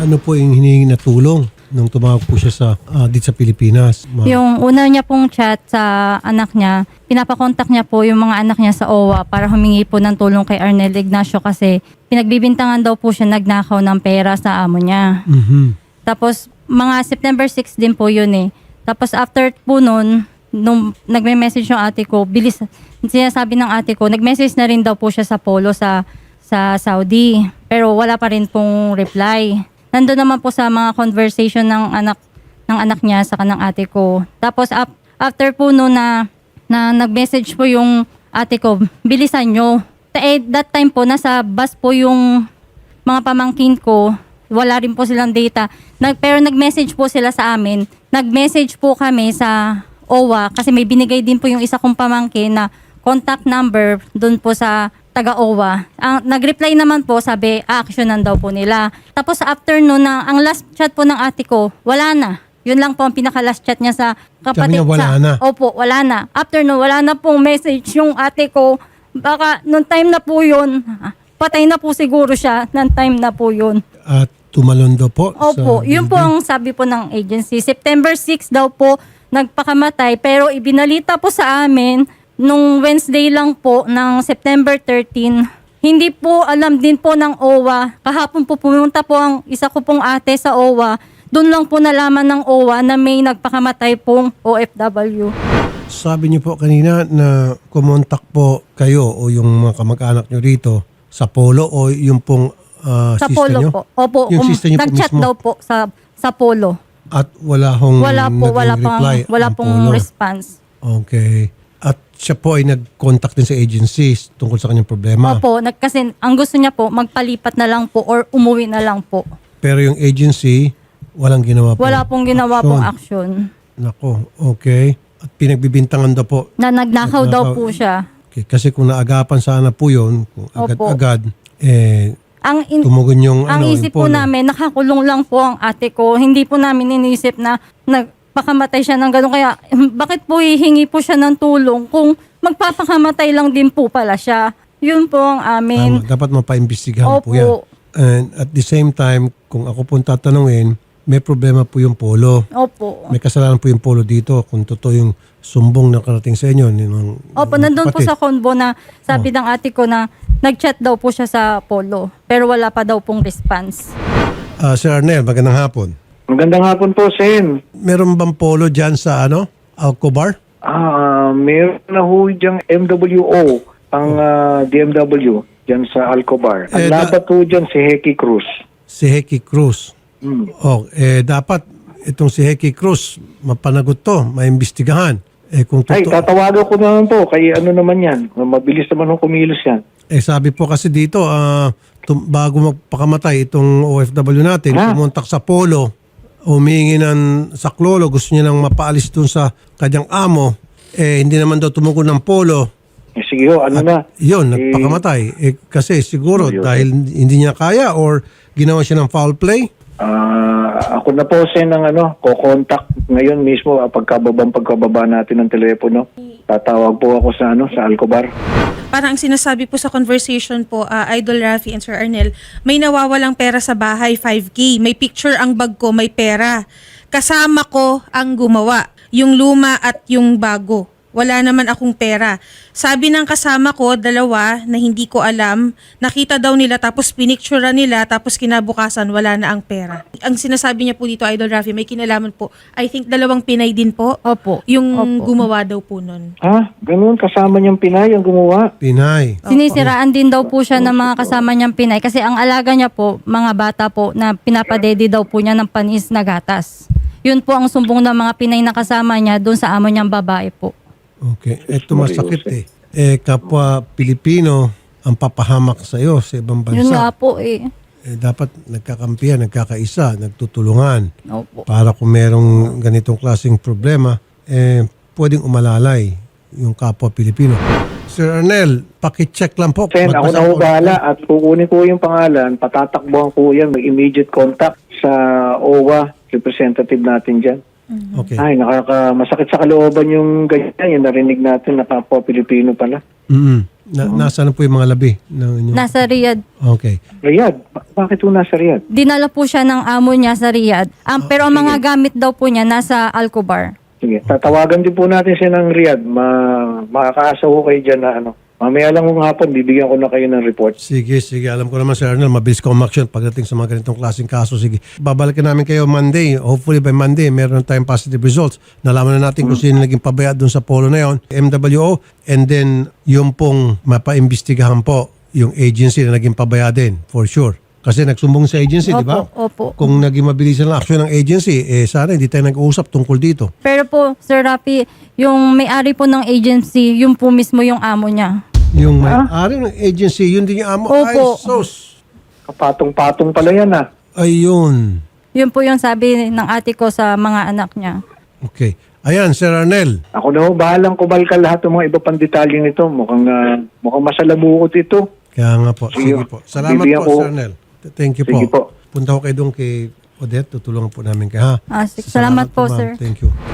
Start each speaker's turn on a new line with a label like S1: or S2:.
S1: Ano po yung hinihingi na tulong nung tumawag po siya sa dito sa Pilipinas?
S2: Yung una niya pong chat sa anak niya, pinapakontak niya po yung mga anak niya sa OWA para humingi po ng tulong kay Arnel Ignacio kasi pinagbibintangan daw po siya nagnakaw ng pera sa amo niya. Tapos mga September 6 din po yun eh. Tapos after po nun, nung nagme-message yung ate ko, bilis, sinasabi ng ate ko, nag-message na rin daw po siya sa Polo sa Saudi. Pero wala pa rin pong reply. Nandun naman po sa mga conversation ng anak niya sa kanang ate ko. Tapos after po no na nag-message po yung ate ko, bilisan nyo. That time po, nasa bus po yung mga pamangkin ko. Wala rin po silang data. Pero nag-message po sila sa amin. Nag-message po kami sa OWA kasi may binigay din po yung isa kong pamangkin na contact number doon po sa taga-OWA. Ang nag-reply naman po, sabi, actionan daw po nila. Tapos after noon, ang last chat po ng ate ko, wala na. Yun lang po ang pinaka-last chat niya sa kapatid.
S1: Sabi niya, wala na?
S2: Opo, wala na. After noon, wala na pong message yung ate ko. Baka nung time na po yun, patay na po siguro siya nung time na po yun.
S1: At tumalondo po?
S2: Opo, yun po ang sabi po ng agency. September 6 daw po nagpakamatay pero ibinalita po sa amin nung Wednesday lang po ng September 13. Hindi po alam din po ng OWA. Kahapon po pumunta po ang isa ko pong ate sa OWA. Doon lang po nalaman ng OWA na may nagpakamatay pong OFW.
S1: Sabi niyo po kanina na kumontak po kayo o yung mga kamag-anak niyo rito sa Polo o yung pong
S2: Sa
S1: sister
S2: Polo
S1: niyo?
S2: po. Opo,
S1: Yung sister niyo po
S2: nag-chat
S1: mismo?
S2: daw po sa Polo.
S1: At wala hong
S2: Wala
S1: reply
S2: pong response.
S1: Okay. At siya po ay nag-contact din sa agencies tungkol sa kanyang problema.
S2: Opo, kasi ang gusto niya po, magpalipat na lang po or umuwi na lang po.
S1: Pero yung agency, walang ginawa po.
S2: Wala pong ginawa pong action.
S1: Nako, okay. At pinagbibintangan daw po.
S2: Na nagnakaw daw po siya.
S1: Okay, kasi kung naagapan sana po yun, kung
S2: Opo.
S1: agad-agad,
S2: Ang
S1: tumugon yung
S2: isip
S1: yung
S2: po
S1: polo.
S2: namin, nakakulong lang po ang ate ko. Hindi po namin inisip na nagpakamatay siya ng gano'n. Kaya bakit po hihingi po siya ng tulong kung magpapakamatay lang din po pala siya. Yun po ang amin.
S1: Tama, dapat mapaimbestigahan po yan.
S2: Opo.
S1: And at the same time, kung ako po tatanungin, may problema po yung polo.
S2: Opo.
S1: May kasalanan po yung polo dito kung totoo yung sumbong na karating sa inyo.
S2: Opo, nandun po sa convo na sabi ng ate ko na nag-chat daw po siya sa Polo. Pero wala pa daw pong response.
S1: Sir Arnel, magandang hapon.
S3: Magandang hapon po, Sen.
S1: Meron bang polo dyan sa Alcobar?
S3: Meron na ho diyang MWO, ang DMW, dyan sa Alcobar. Ang labat po dyan si Heki Cruz.
S1: Si Heki Cruz. Dapat itong si Heki Cruz, mapanagot to, maimbestigahan. Kung
S3: Ay, tatawagan ko naman po, kay ano naman yan. Mabilis naman ho kumilos yan.
S1: sabi po kasi dito, bago magpakamatay itong OFW natin, pumuntak sa polo, humingi ng saklolo, gusto niya nang mapaalis dun sa kanyang amo, hindi naman daw tumugon ng polo.
S3: Sige ho, ano na?
S1: Yun, nagpakamatay. Kasi siguro dahil hindi niya kaya or ginawa siya ng foul play.
S3: Ako na po, Sen, ng ko-contact ngayon mismo pagkababa natin ng telepono. Tatawag po ako sa Alcobar.
S4: Parang ang sinasabi po sa conversation po, Idol Rafi and Sir Arnel, may nawawalang pera sa bahay, 5K. May picture ang bag ko, may pera. Kasama ko ang gumawa, yung luma at yung bago. Wala naman akong pera. Sabi ng kasama ko, dalawa, na hindi ko alam, nakita daw nila tapos pinictura nila tapos kinabukasan wala na ang pera. Ang sinasabi niya po dito, Idol Rafi, may kinalaman po. I think 2 Pinay din po.
S2: Opo.
S4: Yung
S2: Opo.
S4: gumawa daw po nun.
S3: Ganun, kasama niyang Pinay ang gumawa.
S1: Pinay.
S2: Sinisiraan din daw po siya ng mga kasama niyang Pinay kasi ang alaga niya po, mga bata po na pinapadede daw po niya ng panis na gatas. Yun po ang sumbong ng mga Pinay na kasama niya doon sa amo niyang babae po.
S1: Okay. Ito masakit kapwa Pilipino ang papahamak sa iyo sa ibang bansa.
S2: Yun nga po
S1: Dapat nagkakampihan, nagkakaisa, nagtutulungan.
S2: Opo.
S1: Para kung merong ganitong klaseng problema, pwedeng umalalay yung kapwa Pilipino. Sir Arnel, pakicheck lang po.
S3: Sen, ako na ho bahala at kukunin ko yung pangalan, patatakbuhan ko yan, mag-immediate contact sa OWA representative natin dyan.
S1: Okay.
S3: Ay, masakit sa kalooban yung ganyan, yung narinig natin na kapwa Pilipino pala.
S1: Nasaan po yung mga labi?
S2: Nasa Riyadh.
S1: Okay.
S3: Riyadh? Bakit po nasa Riyadh?
S2: Dinala po siya ng amo niya sa Riyadh. Pero ang mga gamit daw po niya nasa Alcobar.
S3: Sige, tatawagan din po natin siya ng Riyadh. Makakaasa ko kayo dyan na mamaya lang ng hapon, bibigyan ko na kayo ng report.
S1: Sige. Alam ko naman, Sir Arnel, mabilis ka umaksyon pagdating sa mga ganitong klaseng kaso. Sige. Babalikan namin kayo Monday. Hopefully by Monday, meron na tayong positive results. Nalaman na natin kung sino naging pabaya doon sa polo na yon, MWO. And then, yung pong mapaimbestigahan po yung agency na naging pabaya din, for sure. Kasi nagsumbong sa agency, di ba?
S2: Opo.
S1: Kung naging mabilisan ang aksyon ng agency, sana hindi tayo nag-uusap tungkol dito.
S2: Pero po, Sir Rafi, yung may-ari po ng agency, yung po mismo yung amo niya.
S1: Yung may-ari ng agency, yun din yung amo.
S2: Opo.
S1: Ay, sus.
S3: Kapatong-patong pala yan
S1: Ayun.
S2: Yun po yung sabi ng ate ko sa mga anak niya.
S1: Okay. Ayan, Sir Arnel.
S3: Ako na ho, bahalang kubalkal lahat ng mga iba pang detalye nito. Mukhang masalabukot ito.
S1: Kaya nga po. Sige po. Salamat
S3: Bibigyan
S1: po,
S3: ko.
S1: Sir Arnel. Thank you
S3: Sige po.
S1: Punta ko kayo doon kay Odette. Tutulungan po namin kayo, ha?
S2: Salamat po,
S1: ma'am.
S2: sir.
S1: Thank you.